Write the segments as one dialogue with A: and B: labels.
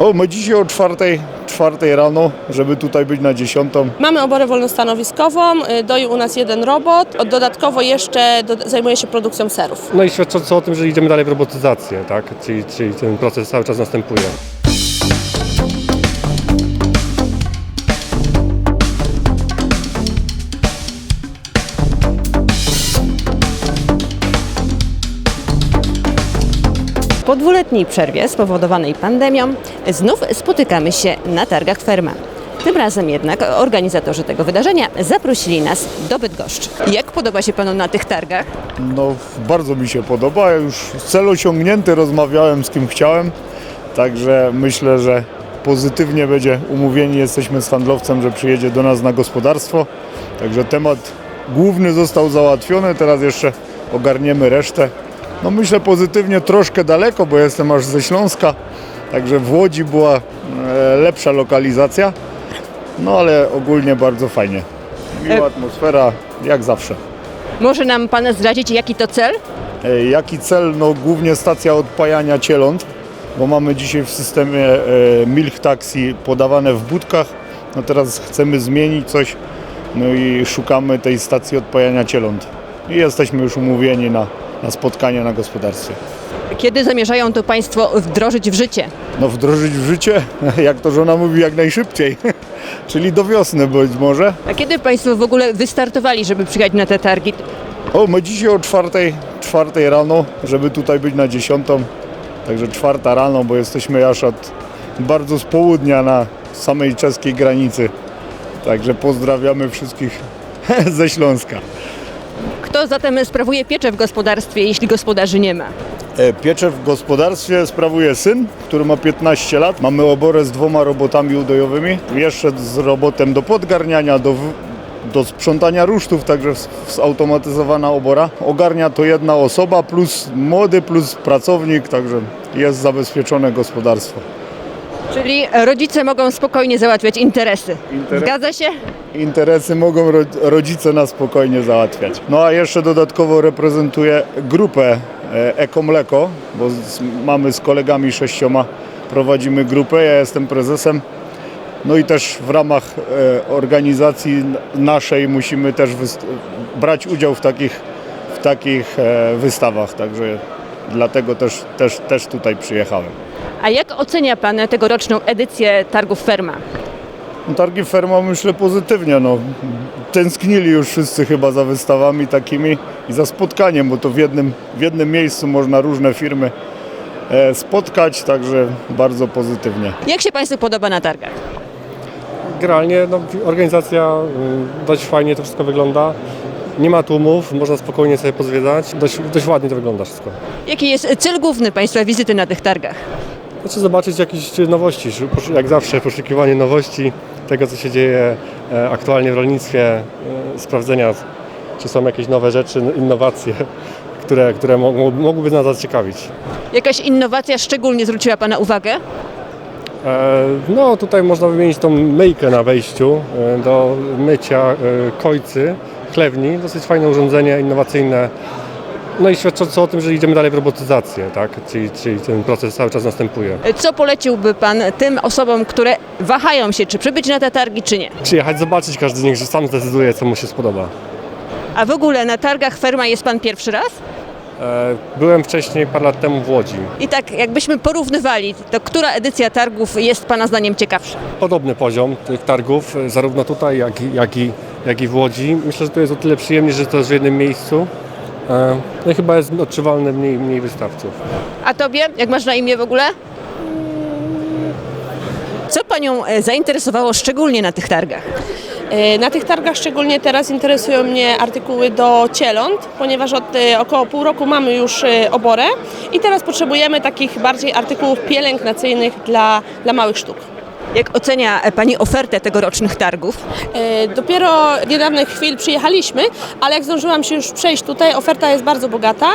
A: My dzisiaj o czwartej rano, żeby tutaj być na 10.
B: Mamy oborę wolnostanowiskową, doi u nas jeden robot, dodatkowo jeszcze zajmuje się produkcją serów.
C: No i świadczące o tym, że idziemy dalej w robotyzację, tak? Czyli ten proces cały czas następuje.
D: Po dwuletniej przerwie spowodowanej pandemią znów spotykamy się na targach Ferma. Tym razem jednak organizatorzy tego wydarzenia zaprosili nas do Bydgoszczy. Jak podoba się Panu na tych targach?
A: Bardzo mi się podoba, już cel osiągnięty, rozmawiałem z kim chciałem, także myślę, że pozytywnie będzie umówieni jesteśmy z handlowcem, że przyjedzie do nas na gospodarstwo, także temat główny został załatwiony, teraz jeszcze ogarniemy resztę. Myślę pozytywnie, troszkę daleko, bo jestem aż ze Śląska, także w Łodzi była lepsza lokalizacja, ale ogólnie bardzo fajnie. Miła atmosfera, jak zawsze.
D: Może nam Pan zdradzić, jaki to cel?
A: Jaki cel? Głównie stacja odpajania cieląt, bo mamy dzisiaj w systemie Milk Taxi podawane w budkach, teraz chcemy zmienić coś, i szukamy tej stacji odpajania cieląt. I jesteśmy już umówieni na spotkanie na gospodarstwie.
D: Kiedy zamierzają to Państwo wdrożyć w życie?
A: Wdrożyć w życie, jak to żona mówi, jak najszybciej, czyli do wiosny być może.
D: A kiedy Państwo w ogóle wystartowali, żeby przyjechać na te targi?
A: My dzisiaj o czwartej rano, żeby tutaj być na 10. Także 4 rano, bo jesteśmy aż bardzo z południa na samej czeskiej granicy. Także pozdrawiamy wszystkich ze Śląska.
D: Kto zatem sprawuje pieczę w gospodarstwie, jeśli gospodarzy nie ma?
A: Pieczę w gospodarstwie sprawuje syn, który ma 15 lat. Mamy oborę z 2 robotami udojowymi. Jeszcze z robotem do podgarniania, do sprzątania rusztów, także zautomatyzowana obora. Ogarnia to jedna osoba, plus młody, plus pracownik, także jest zabezpieczone gospodarstwo.
D: Czyli rodzice mogą spokojnie załatwiać interesy. Zgadza się?
A: Interesy mogą rodzice na spokojnie załatwiać. A jeszcze dodatkowo reprezentuję grupę Eko-Mleko, bo mamy z kolegami 6, prowadzimy grupę, ja jestem prezesem. I też w ramach organizacji naszej musimy też brać udział w takich wystawach, także dlatego też tutaj przyjechałem.
D: A jak ocenia Pan tegoroczną edycję targów Ferma?
A: Targi Ferma myślę pozytywnie. Tęsknili już wszyscy chyba za wystawami takimi i za spotkaniem, bo to w jednym miejscu można różne firmy spotkać, także bardzo pozytywnie.
D: Jak się Państwu podoba na targach?
C: Generalnie organizacja dość fajnie to wszystko wygląda. Nie ma tłumów, można spokojnie sobie pozwiedzać. Dość ładnie to wygląda wszystko.
D: Jaki jest cel główny Państwa wizyty na tych targach?
C: Zobaczyć jakieś nowości, jak zawsze poszukiwanie nowości, tego co się dzieje aktualnie w rolnictwie, sprawdzenia czy są jakieś nowe rzeczy, innowacje, które mogłyby nas zaciekawić.
D: Jakaś innowacja szczególnie zwróciła Pana uwagę?
C: Tutaj można wymienić tą myjkę na wejściu do mycia kojcy, chlewni. Dosyć fajne urządzenie, innowacyjne. I świadczące o tym, że idziemy dalej w robotyzację, tak? Czyli ten proces cały czas następuje.
D: Co poleciłby Pan tym osobom, które wahają się, czy przybyć na te targi, czy nie?
C: Przyjechać, zobaczyć, każdy niech sam zdecyduje, co mu się spodoba.
D: A w ogóle na targach Ferma jest Pan pierwszy raz?
C: Byłem wcześniej parę lat temu w Łodzi.
D: I tak jakbyśmy porównywali, to która edycja targów jest Pana zdaniem ciekawsza?
C: Podobny poziom tych targów, zarówno tutaj, jak i w Łodzi. Myślę, że to jest o tyle przyjemnie, że to jest w jednym miejscu. I chyba jest odczuwalne mniej wystawców.
D: A Tobie? Jak masz na imię w ogóle? Co Panią zainteresowało szczególnie na tych targach?
B: Na tych targach szczególnie teraz interesują mnie artykuły do cieląt, ponieważ od około pół roku mamy już oborę i teraz potrzebujemy takich bardziej artykułów pielęgnacyjnych dla małych sztuk.
D: Jak ocenia Pani ofertę tegorocznych targów?
B: Dopiero niedawnych chwil przyjechaliśmy, ale jak zdążyłam się już przejść tutaj, oferta jest bardzo bogata.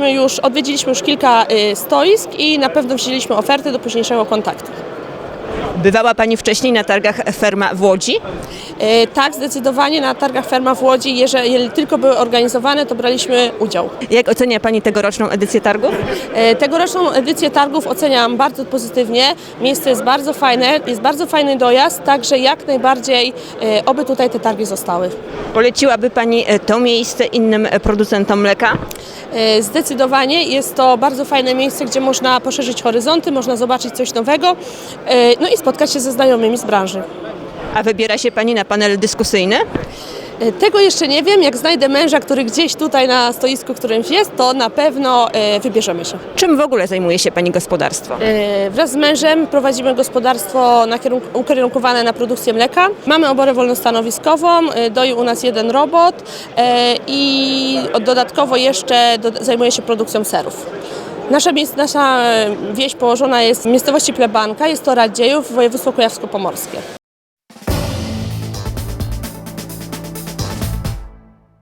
B: Odwiedziliśmy już kilka stoisk i na pewno wzięliśmy oferty do późniejszego kontaktu.
D: Bywała Pani wcześniej na targach Ferma w Łodzi?
B: Tak, zdecydowanie na targach Ferma w Łodzi, jeżeli tylko były organizowane, to braliśmy udział.
D: Jak ocenia Pani tegoroczną edycję targów?
B: Tegoroczną edycję targów oceniam bardzo pozytywnie. Miejsce jest bardzo fajne, jest bardzo fajny dojazd, także jak najbardziej oby tutaj te targi zostały.
D: Poleciłaby Pani to miejsce innym producentom mleka?
B: Zdecydowanie jest to bardzo fajne miejsce, gdzie można poszerzyć horyzonty, można zobaczyć coś nowego, no i spotkać się ze znajomymi z branży.
D: A wybiera się Pani na panel dyskusyjny?
B: Tego jeszcze nie wiem. Jak znajdę męża, który gdzieś tutaj na stoisku którymś jest, to na pewno wybierzemy się.
D: Czym w ogóle zajmuje się Pani gospodarstwo?
B: Wraz z mężem prowadzimy gospodarstwo ukierunkowane na produkcję mleka. Mamy oborę wolnostanowiskową, doi u nas jeden robot i dodatkowo jeszcze zajmuje się produkcją serów. Nasza wieś położona jest w miejscowości Plebanka, jest to Radziejów, województwo kujawsko-pomorskie.